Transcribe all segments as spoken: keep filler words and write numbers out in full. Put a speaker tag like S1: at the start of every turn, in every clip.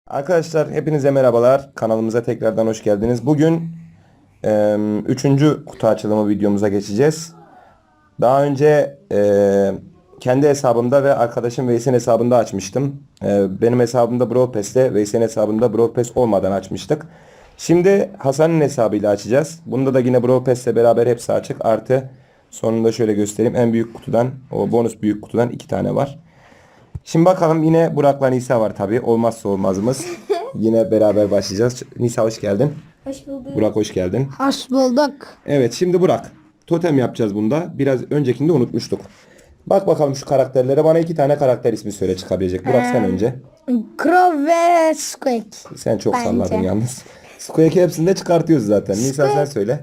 S1: Arkadaşlar hepinize merhabalar. Kanalımıza tekrardan hoş geldiniz. Bugün e, üçüncü kutu açılımı videomuza geçeceğiz. Daha önce e, kendi hesabımda ve arkadaşım Veys'in hesabında açmıştım. E, benim hesabımda Brawl Pass'te, Veys'in hesabında Brawl Pass olmadan açmıştık. Şimdi Hasan'ın hesabıyla açacağız. Bunda da yine Brawl Pass'le beraber hepsi açık. Artı sonunda şöyle göstereyim. En büyük kutudan, o bonus büyük kutudan iki tane var. Şimdi bakalım, yine Burak'la Nisa var tabii. Olmazsa olmazımız. Yine beraber başlayacağız. Nisa hoş geldin.
S2: Hoş bulduk.
S1: Burak hoş geldin.
S3: Hoş bulduk.
S1: Evet, şimdi Burak. Totem yapacağız bunda. Biraz öncekinde unutmuştuk. Bak bakalım şu karakterlere. Bana iki tane karakter ismi söyle çıkabilecek. Burak sen önce.
S3: Crow ve Squeak.
S1: Sen çok
S3: Bence.
S1: salladın yalnız. Squeak'i hepsinde çıkartıyoruz zaten. Nisa sen söyle.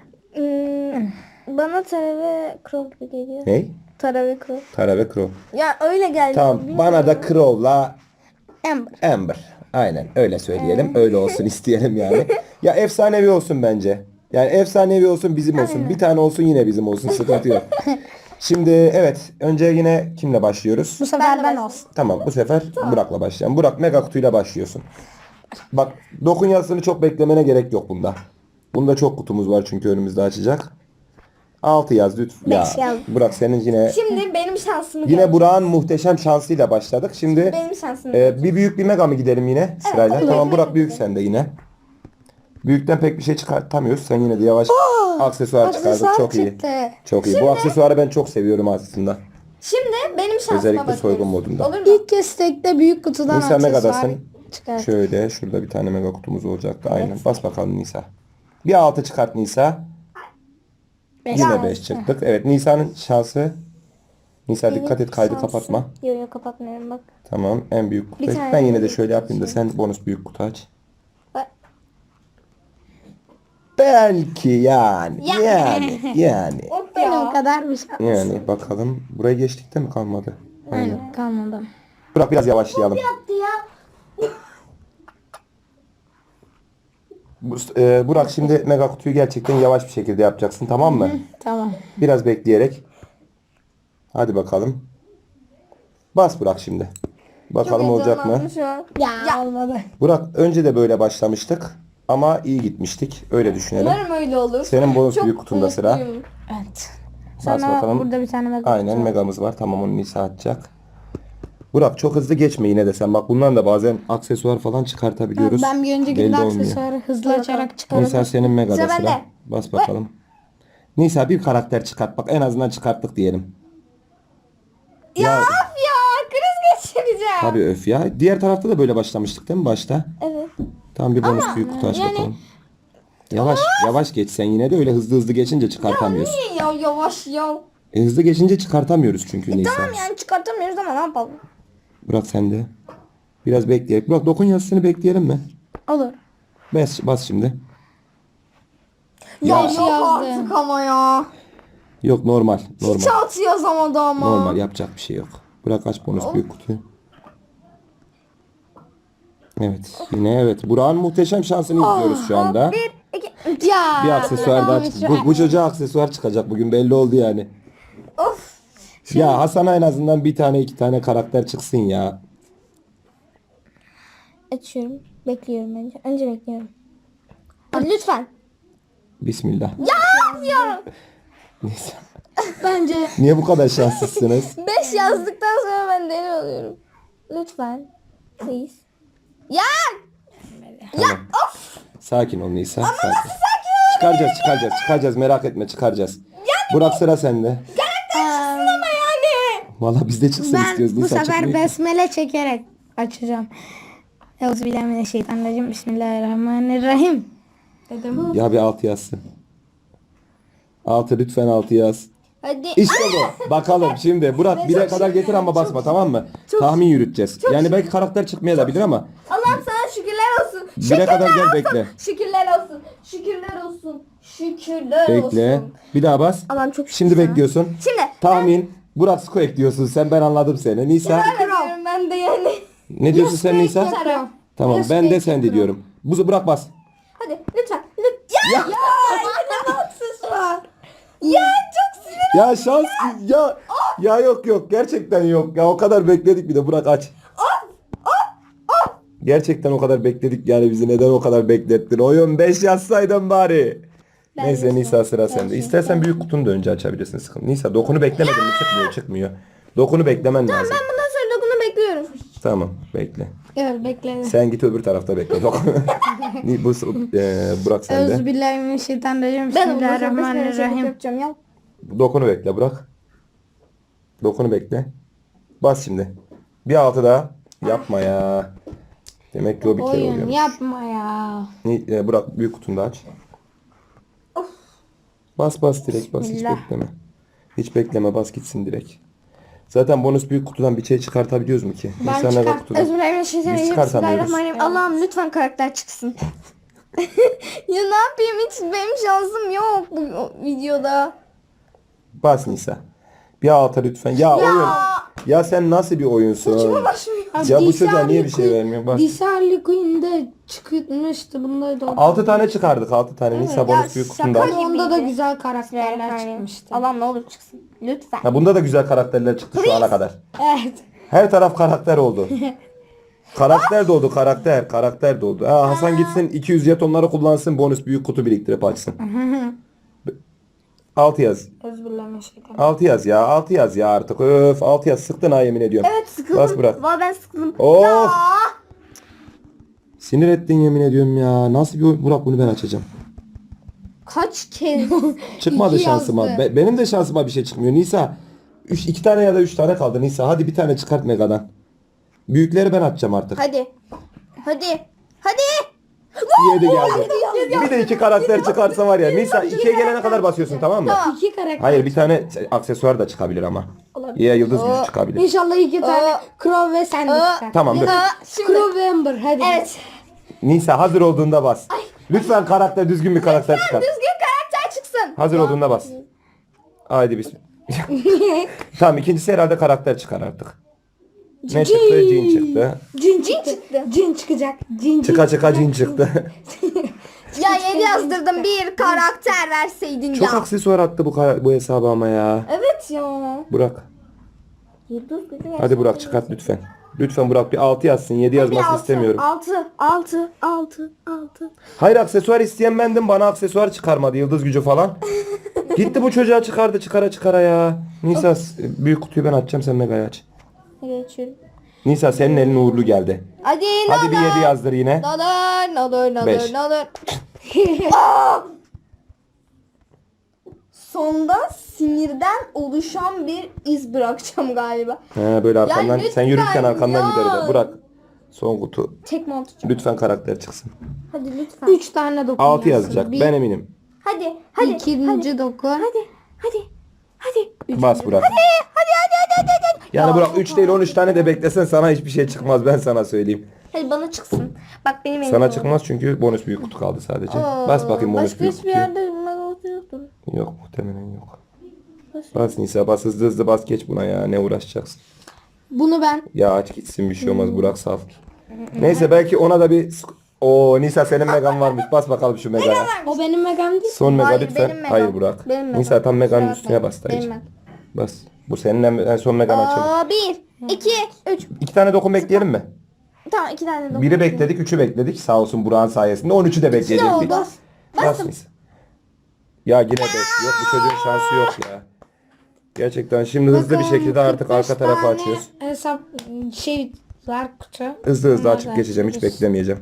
S2: Hmm, bana Tara ve Crow gibi geliyor.
S1: Ney?
S2: Tara ve Crow.
S1: Tara ve Crow.
S2: Ya öyle geldi.
S1: Tamam.
S2: bilmiyorum.
S1: Bana da Crow'la
S3: Amber.
S1: Amber. Aynen öyle söyleyelim. Öyle olsun isteyelim yani. Ya efsanevi olsun bence. Yani efsanevi olsun, bizim olsun. Bir tane olsun, yine bizim olsun. Sıkıntı yok. Şimdi evet. Önce yine kimle başlıyoruz?
S3: Bu sefer
S2: Ben de
S3: ben
S2: başlayayım.
S3: olsun.
S1: Tamam, bu sefer Burak'la başlayalım. Burak, mega kutuyla başlıyorsun. Bak, dokun yazısını çok beklemene gerek yok bunda. Bunda çok kutumuz var çünkü önümüzde açacak. altı yaz lütfen. Ya,
S3: Beş yaz.
S1: Burak senin yine
S2: Şimdi benim şansımı
S1: yine
S2: gör.
S1: Burak'ın muhteşem şansıyla başladık. Şimdi
S2: Benim şansımı
S1: e,
S2: gör.
S1: bir büyük bir mega mı gidelim yine sırayla?
S2: olur.
S1: Tamam Burak, büyük sende yine. Büyükten pek bir şey çıkartamıyoruz. Sen yine de yavaş aksesuar çıkardın.
S3: aksesuar
S1: Çok iyi.
S3: çıktı.
S1: Çok iyi. Bu aksesuarı ben çok seviyorum aslında.
S2: Şimdi benim şansıma
S1: Özellikle
S2: bakıyoruz.
S1: soygun modunda.
S2: Olur mu?
S3: İlk kez tekte büyük kutudan
S1: Nisa
S3: aksesuar
S1: Mega'dasın.
S3: çıkar.
S1: Şöyle şurada bir tane mega kutumuz olacaktı. Aynen. Bas bakalım Nisa. Bir altı çıkart Nisa.
S3: Beş.
S1: Yine beş çıktık. Evet, Nisa'nın şansı. Nisa dikkat et, kaydı
S2: Şansım.
S1: kapatma.
S2: Yok yok kapatmıyorum bak.
S1: Tamam, en büyük kutu.
S2: Bir tane
S1: Ben yine de
S2: büyük
S1: şöyle
S2: kutu
S1: yapayım da sen bonus büyük kutu aç.
S2: Bak.
S1: Belki yani.
S2: Ya.
S1: Yani. Yani.
S2: Hop
S3: Benim kadar bir şey.
S1: Yani bakalım. Buraya geçtikte mi kalmadı?
S3: Aynen kalmadı.
S1: Burak biraz yavaşlayalım.
S2: Yaptı ya.
S1: Bu- e, Burak, şimdi mega kutuyu gerçekten yavaş bir şekilde yapacaksın, tamam mı?
S3: Tamam.
S1: Biraz bekleyerek. Hadi bakalım. Bas Burak şimdi. Bakalım olacak mı?
S2: Heyecanlandım şu an.
S3: Ya, olmadı.
S1: Burak, önce de böyle başlamıştık ama iyi gitmiştik. Öyle düşünelim.
S2: Umarım öyle olur.
S1: Senin bonus
S2: Çok
S1: büyük kutunda sıra.
S2: mutluyum.
S3: Evet.
S1: Bas
S3: Sonra
S1: bakalım.
S3: burada bir tane mega
S1: Aynen,
S3: kutu var.
S1: megamız var. Tamam, onu Nisa atacak. Burak, çok hızlı geçme yine de sen. Bak, bundan da bazen aksesuar falan çıkartabiliyoruz.
S3: Ben bir önceki
S1: Belli
S3: de
S1: olmuyor.
S3: aksesuarı hızlı açarak çıkardım.
S1: Nisa senin megada
S2: Sıra
S1: sıra.
S2: bende.
S1: Bas bakalım. Nisa bir karakter çıkart. Bak, en azından çıkarttık diyelim.
S2: Ya, of ya kriz geçireceğim.
S1: Tabii öf ya. Diğer tarafta da böyle başlamıştık değil mi başta?
S2: Evet.
S1: Tamam, bir bonus büyük kutu aç bakalım. Yavaş yavaş geç sen, yine de öyle hızlı hızlı geçince çıkartamıyoruz.
S2: Niye ya yavaş ya?
S1: E, hızlı geçince çıkartamıyoruz çünkü Nisa.
S2: Tamam yani çıkartamıyoruz ama ne yapalım?
S1: Burak sen de. Biraz bekleyelim. Burak, dokun yazısını bekleyelim mi?
S3: Olur.
S1: Bas, bas şimdi.
S2: Ya,
S1: Ya.
S2: yok
S3: yazdı.
S2: artık ama ya.
S1: Yok, normal. Normal.
S2: Hiç altı yazamadı ama.
S1: Normal, yapacak bir şey yok. Burak aç bonus büyük kutuyu. Evet. Yine evet. Burak'ın muhteşem şansını izliyoruz şu anda.
S2: Bir, iki, üç.
S3: Ya.
S1: Bir aksesuar daha çıktı. Bu, bu çocuğa aksesuar çıkacak bugün, belli oldu yani.
S2: Of.
S1: Ya Hasan'a en azından bir tane iki tane karakter çıksın ya.
S2: Açıyorum. Bekliyorum önce. Önce bekliyorum. Hadi lütfen.
S1: Bismillah.
S2: Ya yazıyorum.
S1: Neyse.
S3: Bence
S1: Niye bu kadar şanslısınız?
S2: Beş yazdıktan sonra ben deli oluyorum. Lütfen. Please. Ya.
S1: Tamam. Sakin ol Nisa. Sakin. Çıkaracağız çıkaracağız çıkaracağız, merak etme, çıkaracağız. Burak, sıra sende.
S2: Ama yani.
S1: Valla biz de çıksın
S3: ben
S1: istiyoruz.
S3: bu
S1: Nisa
S3: sefer
S1: çıkmıyor ki.
S3: besmele çekerek açacağım. Euzubillahimineşşeytanirracim. Bismillahirrahmanirrahim. Dedim.
S1: Ya bir altı yazsın. Altı, lütfen altı yaz.
S2: Hadi.
S1: İşte bu. Bakalım şimdi. Burak bire kadar getir ama basma, tamam mı? Tahmin yürüteceğiz. Yani belki karakter çıkmayabilir ama
S2: Allah'ım sana şükürler olsun.
S1: bire kadar gel, bekle.
S2: Şükürler olsun. Şükürler olsun. Şükürler
S1: Bekle.
S2: olsun.
S1: Bir daha bas.
S2: Allah'ım çok şükür
S1: Şimdi
S2: sana.
S1: bekliyorsun.
S2: Şimdi.
S1: Tahmin. Burak Sko ekliyorsun sen, ben anladım seni. Nisa.
S2: Ben diyorum ben de yani.
S1: Ne diyorsun sen Nisa?
S2: Tarım.
S1: Tamam, ben de sen de diyorum. Bu Burak bas.
S2: Hadi lütfen. Lütfen. Ya. Ya. Ya. Haksız var. Ya çok sinir.
S1: Ya şans ya ya yok yok, gerçekten yok ya, o kadar bekledik, bir de Burak aç. Gerçekten o kadar bekledik yani bizi neden o kadar beklettin? Oyun beş yazsaydın bari. Neyse Nisa sıra sende. İstersen büyük kutunu da önce açabilirsin sıkıntı. Nisa dokunu beklemedin mi? Çıkmıyor çıkmıyor. Dokunu beklemen lazım.
S2: Ben bundan sonra dokunu bekliyorum.
S1: Tamam bekle.
S3: Evet bekle.
S1: Sen git öbür tarafta bekle. Dokunu. Ni- Bu e, Burak sende.
S3: Euzubillahimineşşeytanirracim.
S2: Ben ondan sonra beş
S3: Bismillahirrahmanirrahim.
S2: yapacağım ya.
S1: Dokunu bekle Burak. Dokunu bekle. Bas şimdi. Bir altı daha. Yapma ya. Demek ki o bir kere
S3: Oyun
S1: oluyor.
S3: yapma ya.
S1: Ni- e, Burak büyük kutunu da aç. Bas bas direkt bas hiç
S3: Bismillah.
S1: bekleme. Hiç bekleme bas gitsin direkt. Zaten bonus büyük kutudan bir şey çıkartabiliyoruz mu ki?
S3: Ben
S1: İnsan mega
S3: çıkart-
S1: kutudan. Biz
S2: Bismillahirrahmanirrahim.
S1: çıkartamıyoruz.
S2: Bismillahirrahmanirrahim. Allah'ım lütfen karakter çıksın. Ya ne yapayım, hiç benim şansım yok bu videoda.
S1: Bas Nisa. Bir alta lütfen. Ya, oyun. Ya sen nasıl bir oyunsun? Ya bu çocuğa niye bir şey vermiyor? Bas.
S3: Disarli Queen'de çıkmıştı. Bunda da
S1: altı tane çıkardık altı tane. Nisa bonus büyük kutunda.
S2: şaka
S1: aç.
S3: onda da
S2: gibiydi.
S3: güzel karakterler çıkmıştı.
S2: Allah'ım ne olur çıksın. Lütfen.
S1: Ha, bunda da güzel karakterler çıktı şu ana kadar.
S3: Evet.
S1: Her taraf karakter oldu. Karakter doldu karakter. Karakter doldu. Ha, Hasan gitsin iki yüz jetonları kullansın bonus büyük kutu biriktirip açsın. altı yaz.
S3: Euzubillahimineşşeytanirracim.
S1: altı yaz ya. altı yaz ya artık. Öf altı yaz. Sıktın ha yemin ediyorum.
S2: Evet sıkıldım.
S1: Bas bırak.
S2: Valla ben sıkıldım.
S1: Of.
S2: Ya.
S1: Sinir ettin yemin ediyorum ya. Nasıl bir oyun? Burak bunu ben açacağım.
S2: Kaç kez?
S1: Çıkmadı
S3: İki
S1: şansıma.
S3: yazdı.
S1: Be- benim de şansıma bir şey çıkmıyor. Nisa. Üç, iki tane ya da üç tane kaldı. Nisa hadi bir tane çıkart Mega'dan. Büyükleri ben açacağım artık.
S2: Hadi. Hadi. Hadi.
S1: yedi geldi. Bir de iki karakter çıkarsa var ya. Nisa ikiye gelene kadar basıyorsun tamam mı?
S3: İki karakter.
S1: Hayır bir tane aksesuar da çıkabilir ama. Ya yıldız gücü çıkabilir.
S3: İnşallah iki tane
S2: Aa.
S3: Crow ve sen de
S2: Aa.
S3: çıkar.
S1: Tamam dur.
S2: Ha, şimdi.
S3: Crow ve Amber hadi.
S2: Evet.
S1: Nisa hazır olduğunda bas. Lütfen karakter düzgün bir karakter çıkar.
S2: Düzgün karakter çıksın.
S1: Hazır olduğunda bas. Haydi bismillah. Tamam ikincisi herhalde karakter çıkar artık. Ne çıktı? Cin çıktı.
S3: Cin çıktı.
S2: çıktı.
S3: Cin çıkacak. Cin
S1: Çıka çıka cin çıktı.
S2: Ya yedi yazdırdım, bir karakter verseydin
S1: Çok
S2: ya.
S1: aksesuar attı bu kara- bu hesabı ama ya.
S2: Evet ya.
S1: Burak.
S2: Yıldız gücü
S1: Hadi Burak çıkart lütfen. Lütfen Burak bir altı yazsın. yedi yazmasını istemiyorum.
S2: Altı, altı, altı, altı.
S1: Hayır aksesuar isteyen bendim. Bana aksesuar çıkarmadı. Yıldız gücü falan. Gitti bu çocuğa çıkardı çıkara çıkara ya. Nisa büyük kutuyu ben açacağım sen Mega'yı aç.
S2: Geçiyorum.
S1: Nisa senin elin uğurlu geldi.
S2: Hadi ne
S1: Hadi bir
S2: olur.
S1: yedi yazdır yine.
S2: Ne olur, ne olur, ne
S1: Beş.
S2: olur, ne olur. Aa! Sonda sinirden oluşan bir iz bırakacağım galiba.
S1: He böyle arkandan
S2: lütfen
S1: sen yürürken arkandan
S2: ya.
S1: gider o da. Burak son kutu.
S2: Tekme atacağım.
S1: Lütfen karakter çıksın.
S2: Hadi lütfen.
S3: Üç tane dokun
S1: altı
S3: yazsın.
S1: yazacak.
S3: Bir,
S1: Ben eminim.
S2: Hadi, hadi.
S3: ikinci
S2: hadi,
S3: dokun.
S2: hadi, hadi, hadi.
S1: Bas Burak.
S2: Hadi, hadi, hadi, hadi, hadi.
S1: Yani
S2: Ya,
S1: Burak üç değil on üç tane de beklesen sana hiçbir şey çıkmaz ben sana söyleyeyim.
S2: Hadi bana çıksın. Bak benim elim
S1: Sana
S2: oldu.
S1: çıkmaz çünkü bonus büyük kutu kaldı sadece.
S2: Aa,
S1: Bas bakayım bonus
S2: başka
S1: büyük
S2: hiçbir
S1: kutuyu.
S2: yerde mega yoktur.
S1: Yok muhtemelen yok. Bas Nisa bas hızlı hızlı bas geç buna ya ne uğraşacaksın.
S3: Bunu ben
S1: Ya aç gitsin bir şey olmaz Burak sal. Neyse belki ona da bir... Oo Nisa senin megan varmış bas bakalım şu megaya.
S3: o benim megam değil.
S1: Son mega
S2: Hayır,
S1: lütfen.
S2: benim megam.
S1: Hayır Burak.
S2: Benim megam.
S1: Nisa tam meganın
S2: Kusura
S1: üstüne
S2: bakma.
S1: bas dayıcım.
S2: Benim megam.
S1: Bas. Bu senin en, en son megan açalım.
S2: Aa, bir, iki, üç.
S1: İki tane dokun bekleyelim mi?
S2: Tamam iki tane dokun.
S1: Biri bekledik, üçü bekledik. Sağ olsun Burak'ın sayesinde. on üçü de bekleyecektik.
S2: oldu.
S1: Bas. Bas Nisa. Ya yine beş. Yok bu çocuğun şansı yok ya. Gerçekten şimdi hızlı bir şekilde artık arka tarafı açıyoruz.
S3: Hesap şey var kutu.
S1: Hızlı hızlı açıp geçeceğim. Hiç beklemeyeceğim.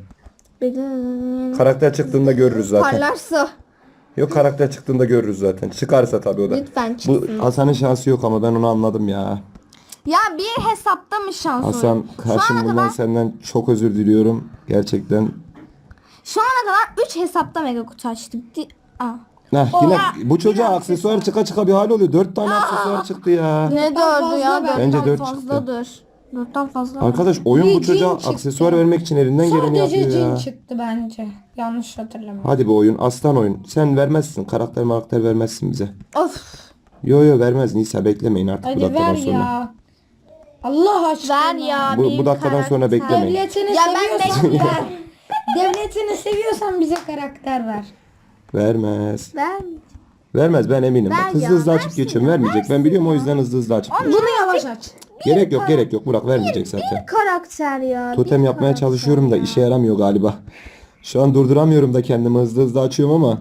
S1: Karakter çıktığında görürüz zaten.
S2: Parlarsa.
S1: Yok karakter çıktığında görürüz zaten. Çıkarsa tabii o da.
S2: Lütfen
S1: Bu
S2: çıksın.
S1: Hasan'ın şansı yok ama ben onu anladım ya.
S2: Ya bir hesapta mı şans
S1: Hasan
S2: oluyor? Şu
S1: karşım
S2: ana
S1: bundan
S2: kadar,
S1: senden çok özür diliyorum. Gerçekten.
S2: şu ana kadar üç hesapta mega kutu açtık. Di- Aa.
S1: Heh, yine
S2: Oha,
S1: bu çocuğa aksesuar çıka çıka bir hal oluyor. Dört tane aksesuar çıktı ya.
S2: Ne dördü ya?
S3: fazla
S1: Bence
S2: Dörtten
S1: dört
S2: fazladır. Dörtten fazla.
S1: Arkadaş oyun bu
S3: Bir
S1: çocuğa
S3: cin çıktı.
S1: aksesuar vermek için elinden geleni
S3: Sadece
S1: yapıyor
S3: cin
S1: ya.
S3: çıktı bence. Yanlış hatırlamıyorum.
S1: Hadi bu oyun aslan oyun. Sen vermezsin. Karakter karakter vermezsin bize.
S2: Of.
S1: Yo yo vermez Nisa beklemeyin artık bu
S3: Hadi
S1: dakikadan
S3: ver
S1: sonra.
S3: ya. Allah aşkına.
S2: Ver ya.
S1: Bu,
S2: bir
S1: bu dakikadan
S2: karakter.
S1: sonra beklemeyin.
S3: Devletini
S2: Ya ben
S3: seviyorsan
S2: bekliyorum.
S3: ver. Devletini seviyorsan bize karakter ver.
S1: Vermez.
S2: Ver.
S1: Vermez ben eminim.
S2: Ver
S1: Bak hızlı
S2: ya,
S1: hızlı açıp
S2: versin
S1: geçiyorum.
S2: ya,
S1: Vermeyecek. Ben biliyorum o yüzden hızlı hızlı açıp geçiyorum.
S3: Bunu yavaş aç.
S1: Gerek yok gerek yok Burak vermeyecek zaten.
S2: Bir karakter ya.
S1: Totem
S2: bir
S1: yapmaya
S2: karakter
S1: çalışıyorum da
S2: ya.
S1: işe yaramıyor galiba. Şu an durduramıyorum da kendimi hızlı hızlı açıyorum ama.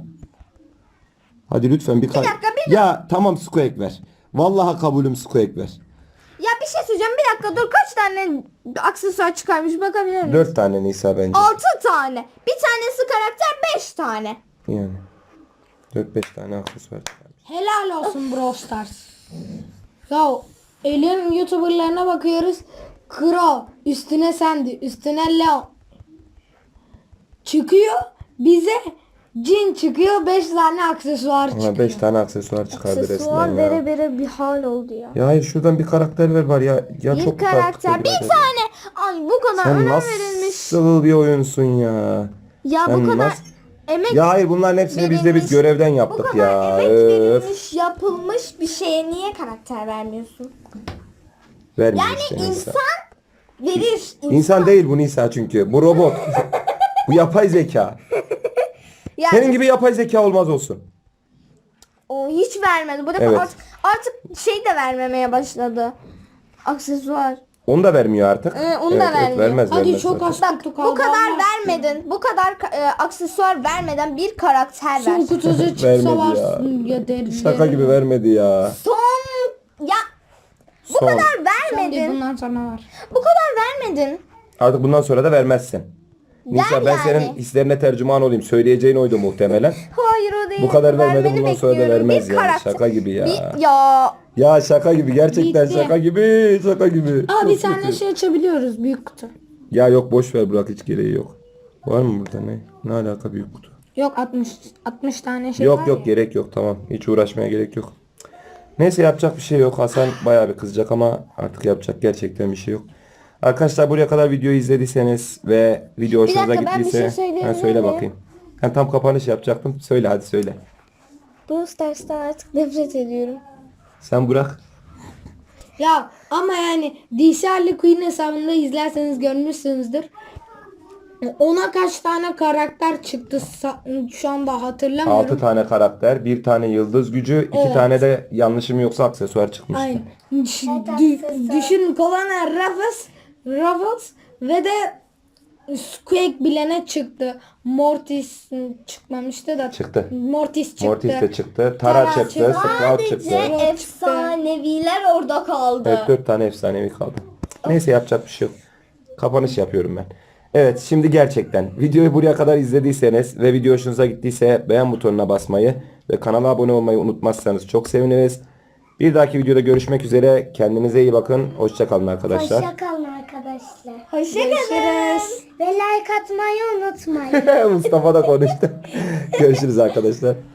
S1: Hadi lütfen bir, kar-
S2: dakika, bir
S1: Ya tamam Squeak ver. Vallahi kabulüm Squeak ver.
S2: Ya bir şey söyleyeceğim, bir dakika dur, kaç tane aksesuar çıkarmış bakabilir miyim?
S1: Dört tane Nisa bence.
S2: Altı tane. Bir tanesi karakter, beş tane.
S1: Yani. Dört beş tane aksesuar çıkarmış.
S3: Helal olsun Brawl Stars. Ya elin YouTuber'larına bakıyoruz. Kro, üstüne Sandy, üstüne Leon. Çıkıyor. Bize Jin çıkıyor. beş tane aksesuar çıkıyor.
S1: Ama beş tane aksesuar çıkardı
S2: Aksesuar
S1: resmen ya.
S2: vere vere bir hal oldu ya.
S1: Ya hayır şuradan bir karakter ver var ya. Ya
S2: Bir
S1: çok
S2: karakter, bir
S1: tane.
S2: tane. Ay bu kadar
S1: Sen
S2: önem verilmiş.
S1: nasıl bir oyunsun ya?
S2: Ya
S1: Sen
S2: bu kadar
S1: nasıl-
S2: emek
S1: Ya hayır bunların hepsini biz de biz
S2: verilmiş.
S1: görevden
S2: bu
S1: yaptık
S2: kadar
S1: ya.
S2: emek
S1: Öf.
S2: verilmiş, yapılmış bir şeye niye karakter vermiyorsun?
S1: Vermiyor
S2: Yani
S1: işte Nisa.
S2: insan verir. İnsan,
S1: İnsan değil bu Nisa çünkü. Bu robot. Bu yapay zeka.
S2: Yani
S1: Senin gibi yapay zeka olmaz olsun.
S2: o hiç vermedi. Bu defa
S1: Evet.
S2: artık, artık şey de vermemeye başladı. Aksesuar.
S1: Onu da vermiyor artık.
S2: Ee, onu da vermiyor.
S1: vermez,
S3: Hadi
S1: vermez
S3: çok
S1: zaten.
S3: az
S2: Bak
S3: kutu
S2: bu
S3: kaldı.
S2: kadar
S3: Allah aşkına.
S2: vermedin. Bu kadar ka- e, aksesuar vermeden bir karakter ver.
S3: Son kutusu
S1: Vermedi
S3: çıksa var.
S1: ya.
S3: Ya derim.
S1: Şaka gibi vermedi ya.
S2: Son ya bu
S1: Son.
S2: kadar
S3: Son değil,
S2: vermedin.
S3: bundan sonra var.
S2: Bu kadar vermedin.
S1: Artık bundan sonra da vermezsin. Nisa ben
S2: yani.
S1: senin hislerine tercüman olayım. Söyleyeceğin oydu muhtemelen.
S2: Hayır o değil.
S1: Bu kadar vermedi,
S2: Vermeni
S1: bundan sonra da
S2: bekliyorum.
S1: vermez
S2: Bir
S1: yani.
S2: karakter-
S1: Şaka gibi ya.
S2: Bir, ya
S1: Ya şaka gibi gerçekten
S3: Bitti.
S1: şaka gibi şaka gibi.
S3: Aa bir
S1: Çok
S3: tane
S1: kötü.
S3: şey açabiliyoruz. Büyük kutu.
S1: Ya yok boş ver Burak hiç gereği yok. Var mı burada ne? Ne alaka büyük kutu?
S3: Yok altmış altmış tane şey
S1: Yok
S3: var
S1: yok
S3: ya.
S1: gerek yok tamam. Hiç uğraşmaya gerek yok. Neyse yapacak bir şey yok. Hasan bayağı bir kızacak ama artık yapacak gerçekten bir şey yok. Arkadaşlar buraya kadar videoyu izlediyseniz ve video hoşunuza
S2: dakika, ben bir
S1: gittiyse
S2: şey söyleyebilir
S1: ha, söyle
S2: miyim?
S1: bakayım. Ben tam kapanış yapacaktım. Söyle hadi söyle.
S2: Brawl Stars'tan artık nefret ediyorum.
S1: Sen Burak.
S3: Ya ama yani D C Harley Quinn hesabında izlerseniz görmüşsünüzdür. Ona kaç tane karakter çıktı sa- şu anda hatırlamıyorum.
S1: altı tane karakter, bir tane yıldız gücü, iki
S3: Evet.
S1: tane de yanlışım yoksa aksesuar çıkmıştı.
S3: Aynen. Düş- dü- düşün Colonel Ruffles, Ruffles ve de Squeak bilene çıktı. Mortis çıkmamıştı da.
S1: Çıktı.
S3: Mortis çıktı.
S1: Mortis de çıktı. Tara,
S3: Tara
S1: çıktı.
S3: çıktı.
S1: Sprout çıktı.
S2: Sadece efsaneviler orada kaldı.
S1: Evet dört tane efsanevi kaldı. Neyse yapacak bir şey yok. Kapanış yapıyorum ben. Evet şimdi gerçekten videoyu buraya kadar izlediyseniz ve video hoşunuza gittiyse beğen butonuna basmayı ve kanala abone olmayı unutmazsanız çok seviniriz. Bir dahaki videoda görüşmek üzere. Kendinize iyi bakın. Hoşça kalın arkadaşlar.
S4: Hoşçakalın arkadaşlar.
S2: Hoşçakalın.
S4: Ve like atmayı unutmayın.
S1: Mustafa da konuştu. Görüşürüz arkadaşlar.